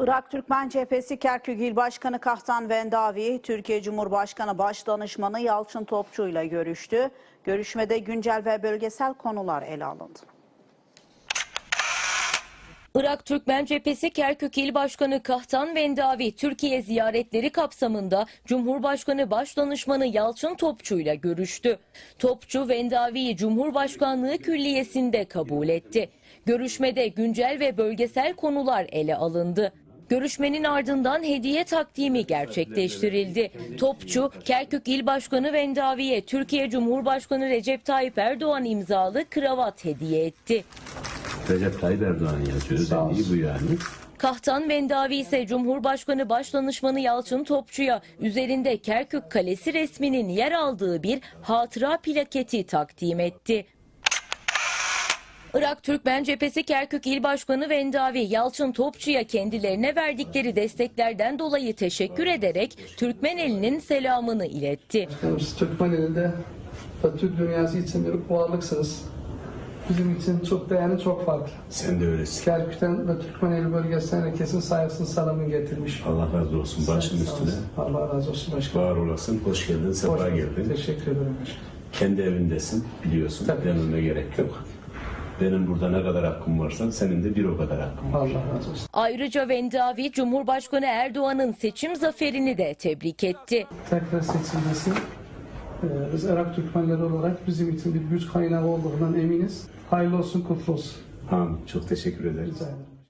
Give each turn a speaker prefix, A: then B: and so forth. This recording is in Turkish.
A: Irak Türkmen Cephesi Kerkük İl Başkanı Kahtan Vendavi, Türkiye Cumhurbaşkanı Başdanışmanı Yalçın Topçu ile görüştü. Görüşmede güncel ve bölgesel konular ele alındı.
B: Irak Türkmen Cephesi Kerkük İl Başkanı Kahtan Vendavi, Türkiye ziyaretleri kapsamında Cumhurbaşkanı Başdanışmanı Yalçın Topçu ile görüştü. Topçu, Vendavi'yi Cumhurbaşkanlığı Külliyesi'nde kabul etti. Görüşmede güncel ve bölgesel konular ele alındı. Görüşmenin ardından hediye takdimi gerçekleştirildi. Topçu, Kerkük İl Başkanı Vendavi'ye Türkiye Cumhurbaşkanı Recep Tayyip Erdoğan imzalı kravat hediye etti.
C: Recep Tayyip Erdoğan yazıyor. Özelliği bu yani.
B: Kahtan Vendavi ise Cumhurbaşkanı Başdanışmanı Yalçın Topçu'ya üzerinde Kerkük Kalesi resminin yer aldığı bir hatıra plaketi takdim etti. Irak Türkmen Cephesi Kerkük İl Başkanı Vendavi, Yalçın Topçu'ya kendilerine verdikleri desteklerden dolayı teşekkür ederek Türkmeneli'nin selamını iletti.
D: Siz Türkmeneli'de ve Türk dünyası için bir varlıksınız. Bizim için çok değerli, çok farklı.
C: Sen de öylesin.
D: Kerkük'ten ve Türkmeneli bölgesinden herkesin saygısını, salamını getirmiş.
C: Allah razı olsun. Başın üstüne.
D: Allah razı olsun başkanım.
C: Var olasın. Hoş geldin. Sefa geldin.
D: Teşekkür ederim başkanım.
C: Kendi evindesin. Biliyorsun.
D: Tabii.
C: Dememe gerek yok. Benim burada ne kadar hakkım varsa senin de bir o kadar hakkın var.
D: Allah razı olsun.
B: Ayrıca Vendavi, Cumhurbaşkanı Erdoğan'ın seçim zaferini de tebrik etti.
D: Tekrar seçilmesi biz Irak Türkmenleri olarak bizim için bir güç kaynağı olduğundan eminiz. Hayırlı olsun, kutlu olsun.
C: Amin. Çok teşekkür ederim.
D: Rica ederim.